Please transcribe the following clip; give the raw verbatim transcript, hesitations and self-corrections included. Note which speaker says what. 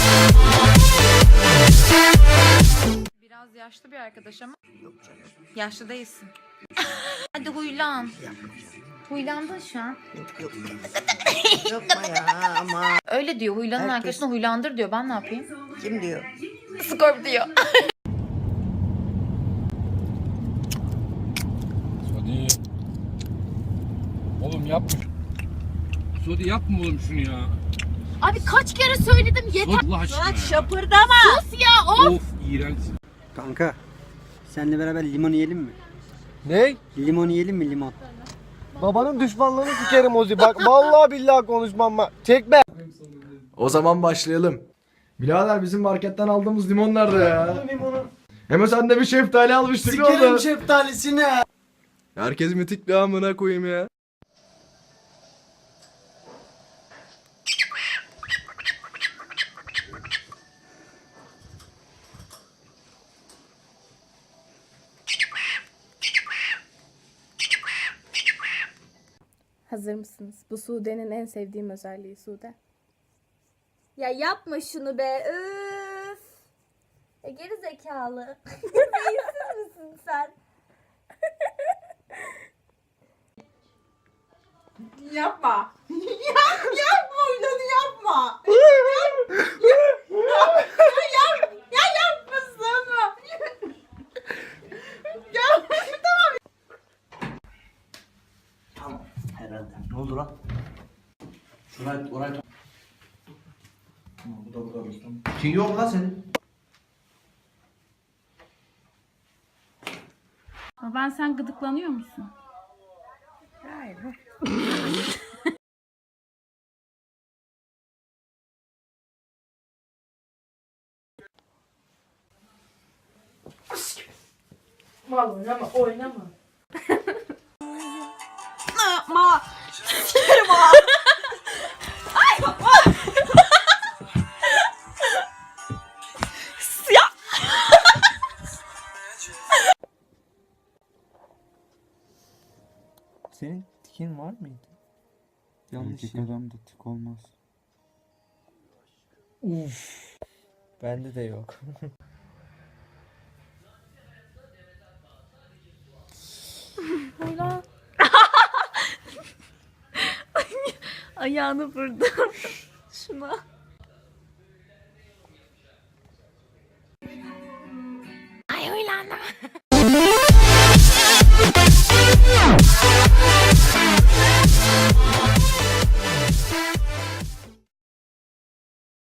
Speaker 1: Biraz yaşlı bir arkadaş ama. Yok canım. Yaşlı değilsin. Hadi huylan. Huylandın şu an.
Speaker 2: Yok yok. Yapma ya ama.
Speaker 1: Öyle diyor, huylanın
Speaker 2: Herkes-
Speaker 1: arkadaşına huylandır diyor. Ben ne yapayım?
Speaker 2: Kim diyor?
Speaker 1: Skorp diyor.
Speaker 3: Sodi. Oğlum yapma. Sodi yapma oğlum şunu ya.
Speaker 1: Abi kaç kere söyledim yeter.
Speaker 3: Allah aşkına ya.
Speaker 1: Şapırdama. Sus ya of.
Speaker 3: Of iğrençsin.
Speaker 4: Kanka, seninle beraber limon yiyelim mi?
Speaker 5: Ne?
Speaker 4: Limon yiyelim mi limon?
Speaker 5: Babanın düşmanlığını sikerim Ozi. Bak vallahi billahi konuşmam ben. Çekme.
Speaker 6: O zaman başlayalım. Birader bizim marketten aldığımız limon nerede ya? Hemen sen de bir şeftali almıştık ne
Speaker 4: Sikerim
Speaker 6: oldu?
Speaker 4: şeftalisini.
Speaker 6: Herkes mitik bir amına koyayım ya.
Speaker 7: Hazır mısınız? Bu Sude'nin en sevdiğim özelliği Sude.
Speaker 8: Ya yapma şunu be. Üf. E, geri zekalı. Beyinsiz misin sen?
Speaker 2: Yapma. Yap, yapma öyle yapma. Yap, ya yapmasana. Ya tamam.
Speaker 4: Tamam, herhalde. Ne oldu lan? Şurayı, orayı... Tamam, bu da bu da dostum. Kin yok lan senin.
Speaker 7: Ben sen gıdıklanıyor musun?
Speaker 2: Hayır.
Speaker 7: Mal oynama oynama.
Speaker 2: Yapma.
Speaker 5: Senin tikin var mıydı? Yanlış
Speaker 9: Erkek
Speaker 5: ya.
Speaker 9: adamda tik olmaz.
Speaker 5: Uf. Bende de yok.
Speaker 7: Huylan. Ayağını vurdum. Şuna.